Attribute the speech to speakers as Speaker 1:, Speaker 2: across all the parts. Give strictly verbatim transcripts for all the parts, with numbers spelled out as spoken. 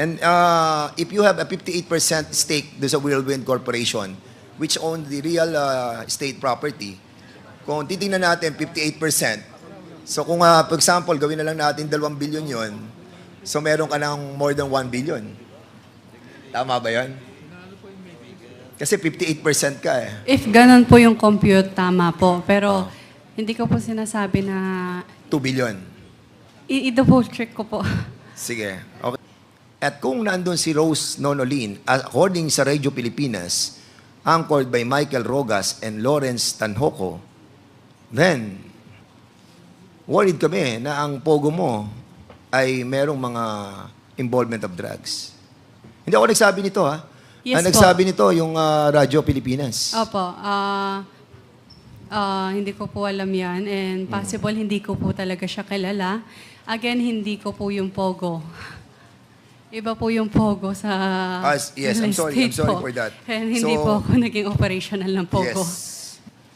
Speaker 1: And uh, if you have a fifty-eight percent stake do sa Whirlwind Corporation, which own the real uh, estate property, kung titingnan natin fifty-eight percent, so kung uh, for example, gawin na lang natin dalawang billion yon, so meron ka ng more than one billion. Tama ba yon? Kasi fifty-eight percent ka eh.
Speaker 2: If ganun po yung compute, tama po. Pero hindi ko po sinasabi na
Speaker 1: two billion.
Speaker 2: i- i-double check ko po.
Speaker 1: Sige. Okay. At kung nandun si Rose Nonolin, according sa Radio Pilipinas, anchored by Michael Rogas and Lawrence Tanhoco, then, worried kami na ang pogo mo ay merong mga involvement of drugs. Hindi ako nagsabi nito, ha?
Speaker 2: Yes
Speaker 1: ang
Speaker 2: po.
Speaker 1: nagsabi nito, yung uh, Radio Pilipinas.
Speaker 2: Opo. ah ah, hindi ko po alam yan. And possible hindi ko po talaga siya kilala. Again, hindi ko po yung Pogo. Iba po yung Pogo sa
Speaker 1: Ah, yes, I'm
Speaker 2: real
Speaker 1: sorry, I'm
Speaker 2: estate
Speaker 1: sorry
Speaker 2: po.
Speaker 1: for that.
Speaker 2: And hindi
Speaker 1: So-
Speaker 2: po ako naging operational ng Pogo.
Speaker 1: Yes.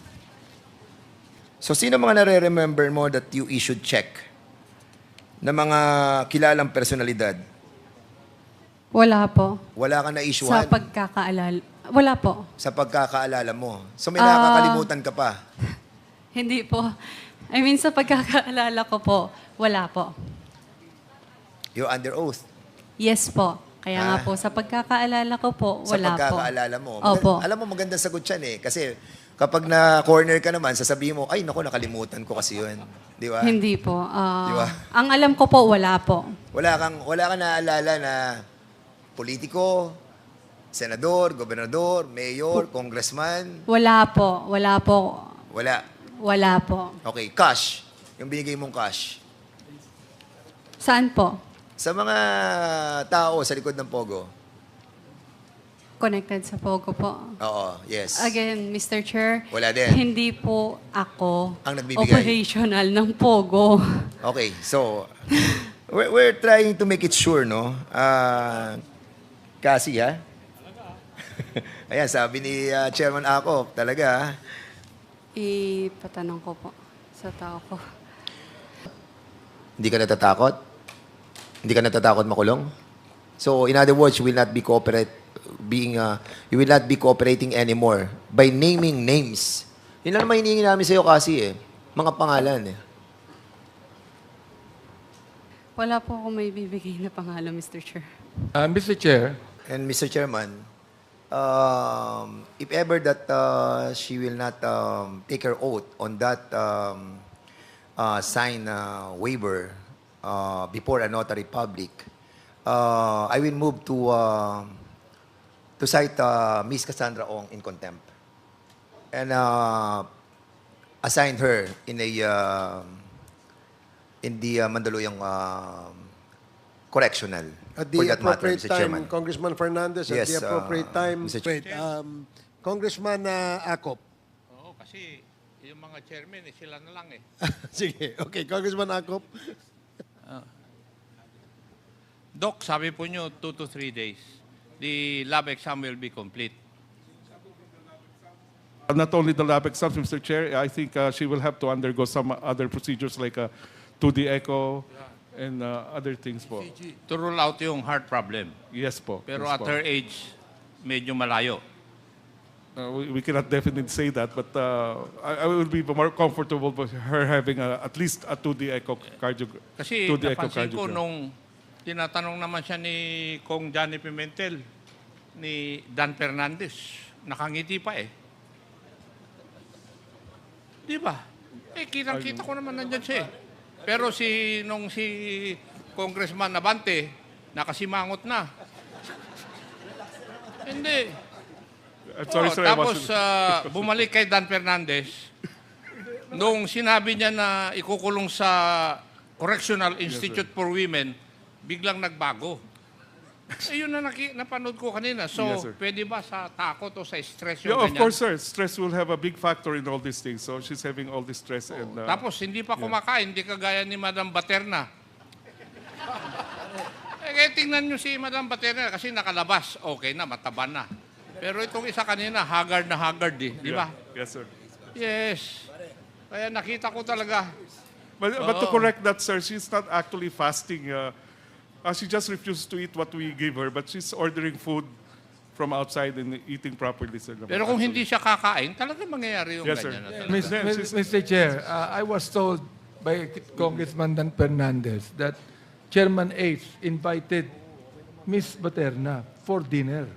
Speaker 1: So, sino mga nare-remember mo that you issued check na mga kilalang personalidad?
Speaker 2: Wala po.
Speaker 1: Wala ka
Speaker 2: Sa
Speaker 1: na-issuehan
Speaker 2: pagkakaalala. Wala po.
Speaker 1: sa pagkakaalala mo. So, may
Speaker 2: Ah.
Speaker 1: nakakalimutan ka pa.
Speaker 2: Hindi po. I mean, sa pagkakaalala ko po, wala po.
Speaker 1: You're under oath.
Speaker 2: Yes po. Kaya nga
Speaker 1: Ah.
Speaker 2: po, sa pagkakaalala ko po,
Speaker 1: Sa
Speaker 2: wala po.
Speaker 1: pagkakaalala mo.
Speaker 2: Opo.
Speaker 1: Alam mo, magandang sagot yan eh. Kasi kapag na-corner ka naman, sasabihin mo, ay, naku, nakalimutan ko kasi yun. Di ba?
Speaker 2: Hindi po. Ah,
Speaker 1: Di ba?
Speaker 2: Ang alam ko po, wala po.
Speaker 1: Wala kang, wala kang naaalala na politiko, senador, gobernador, mayor, congressman.
Speaker 2: Wala po. Wala po.
Speaker 1: Wala.
Speaker 2: Wala po.
Speaker 1: Okay, cash. Yung binigay mong cash.
Speaker 2: Saan po?
Speaker 1: Sa mga tao sa likod ng Pogo.
Speaker 2: Connected sa Pogo po.
Speaker 1: Oo, yes.
Speaker 2: Again, Mister Chair,
Speaker 1: Wala din.
Speaker 2: hindi po ako
Speaker 1: Ang nagbibigay.
Speaker 2: operational ng Pogo.
Speaker 1: Okay, so, we're, we're trying to make it sure, no? Ah, kasi, ha? Ayan, sabi ni ah, Chairman Ako, talaga, ha?
Speaker 2: Ipatanong ko po sa tao ko.
Speaker 1: Hindi ka natatakot? Hindi ka natatakot makulong? So, in other words, you will not be cooperate, being, uh, you will not be cooperating anymore by naming names. Yun lang naman hinihingi namin sa'yo kasi, eh. Mga pangalan, eh.
Speaker 2: Wala po ako may bibigay na pangalan, Mister Chair.
Speaker 3: Uh, Mister Chair,
Speaker 1: And Mister Chairman, um, if ever that uh, she will not um, take her oath on that um, uh, sign uh, waiver uh, before a notary public, uh, I will move to uh, to cite uh, Miss Cassandra Ong in contempt and uh, assign her in a uh, in the uh, Mandaluyong uh, correctional.
Speaker 4: At
Speaker 1: for
Speaker 4: the
Speaker 1: that matter,
Speaker 4: appropriate
Speaker 1: Mister
Speaker 4: time,
Speaker 1: Chairman.
Speaker 4: Congressman Fernandez, at
Speaker 1: Yes,
Speaker 4: the
Speaker 1: uh,
Speaker 4: appropriate time,
Speaker 1: Mister
Speaker 4: wait, um, Congressman uh, Acop.
Speaker 3: oo, kasi yung mga chairman, eh, sila na lang eh.
Speaker 4: Sige, okay, Congressman Acop.
Speaker 3: Doc, sabi po nyo, two to three days. The lab exam will be complete.
Speaker 5: Uh, Not only the lab exams, Mister Chair, I think uh, she will have to undergo some other procedures like a two D echo and uh, other things po.
Speaker 3: To rule out yung heart problem.
Speaker 5: Yes po.
Speaker 3: Pero
Speaker 5: yes
Speaker 3: at
Speaker 5: po.
Speaker 3: her age, medyo malayo.
Speaker 5: Uh, we, we cannot definitely say that, but uh, I, I will be more comfortable with her having a, at least a two D echo cardio.
Speaker 3: Kasi
Speaker 5: two D
Speaker 3: napansin ko
Speaker 5: echocardiogram.
Speaker 3: nung tinatanong naman siya ni Kong Johnny Pimentel, ni Dan Fernandez, nakangiti pa eh. Di ba? Eh, kitang-kita ko naman nandyan siya eh. Pero si, nung si Congressman Nabante, nakasimangot na. Hindi.
Speaker 5: I'm sorry,
Speaker 3: Oh,
Speaker 5: sir. I
Speaker 3: tapos
Speaker 5: wasn't-
Speaker 3: ah, bumalik kay Dan Fernandez. Nung sinabi niya na ikukulong sa Correctional Institute for Women, biglang nagbago. Eh, yun na naki, napanood ko kanina. So,
Speaker 5: Yes, sir.
Speaker 3: pwede ba sa takot o sa stress yung
Speaker 5: Yeah, of
Speaker 3: ganyan?
Speaker 5: course, sir. Stress will have a big factor in all these things. So she's having all this stress and uh,
Speaker 3: Tapos, hindi pa kumakain, hindi kagaya ni Madam Baterna. eh, kaya tingnan nyo si Madam Baterna kasi nakalabas. Okay na, mataba na. Pero itong isa kanina, haggard na haggard eh. Di ba?
Speaker 5: yes, sir.
Speaker 3: Yes. Kaya nakita ko talaga.
Speaker 5: But, but to correct that, sir, she's not actually fasting. Uh, Uh, she just refused to eat what we give her, but she's ordering food from outside and eating properly, sir.
Speaker 3: Pero kung hindi siya kakain, talaga mangyayari yung
Speaker 5: Yes, sir.
Speaker 3: ganyan. na talaga.
Speaker 6: Mis-
Speaker 5: Then
Speaker 6: Mis-
Speaker 5: she's-
Speaker 6: Mister Chair, uh, I was told by Congressman Dan Fernandez that Chairman H invited Miss Baterna for dinner.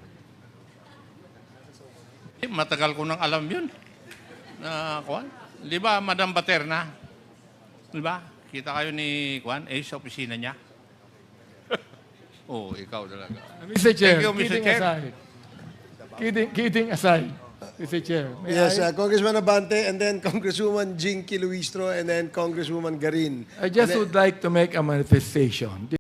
Speaker 3: Eh, matagal ko nang alam yun. Na, Kwan? Di ba, Madam Baterna? Di ba? Kita kayo ni Kwan, eh, sa opisina niya. Oo, oh, ikaw talaga.
Speaker 6: Mister Chair,
Speaker 3: Thank you, Mister
Speaker 6: kidding
Speaker 3: Chair.
Speaker 6: aside. Kidding, kidding aside, Mister Chair. May
Speaker 4: Yes,
Speaker 6: I,
Speaker 4: uh, Congressman Abante, and then Congresswoman Jinky Luistro, and then Congresswoman Garin.
Speaker 6: I just
Speaker 4: And then-
Speaker 6: would like to make a manifestation.